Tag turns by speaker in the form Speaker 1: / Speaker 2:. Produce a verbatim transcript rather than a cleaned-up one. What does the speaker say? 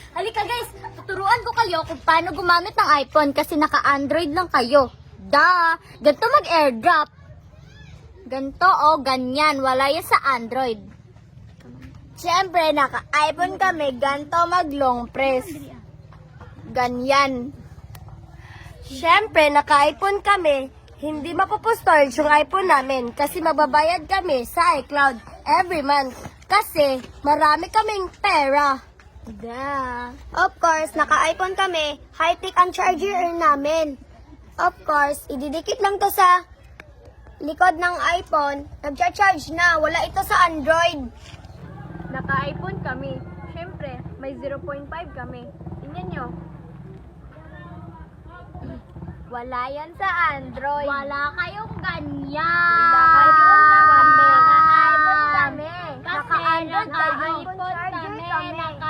Speaker 1: Halika guys, tuturuan ko kayo kung paano gumamit ng iPhone kasi naka-Android lang kayo. Da, ganito mag-airdrop. Ganito o ganyan, wala yan sa Android. Siyempre, naka-iPhone kami, ganito mag-long press. Ganyan. Siyempre, naka-iPhone kami, hindi mapopostol yung iPhone namin kasi mababayad kami sa iCloud every month kasi marami kaming pera. Da. Of course, naka-iPhone kami, high-tech ang charger namin. Of course, ididikit lang to sa likod ng iPhone, nagcha-charge na, wala ito sa Android.
Speaker 2: Naka-iPhone kami. Siyempre, may zero point five kami. Tingnan nyo.
Speaker 1: Wala yan sa Android. Wala kayong ganyan.
Speaker 2: Wala kayong
Speaker 1: Naka-iPhone kami.
Speaker 2: Kasi
Speaker 1: Naka-Android
Speaker 2: naka-iPhone
Speaker 1: kayo.
Speaker 2: kami,
Speaker 1: Naka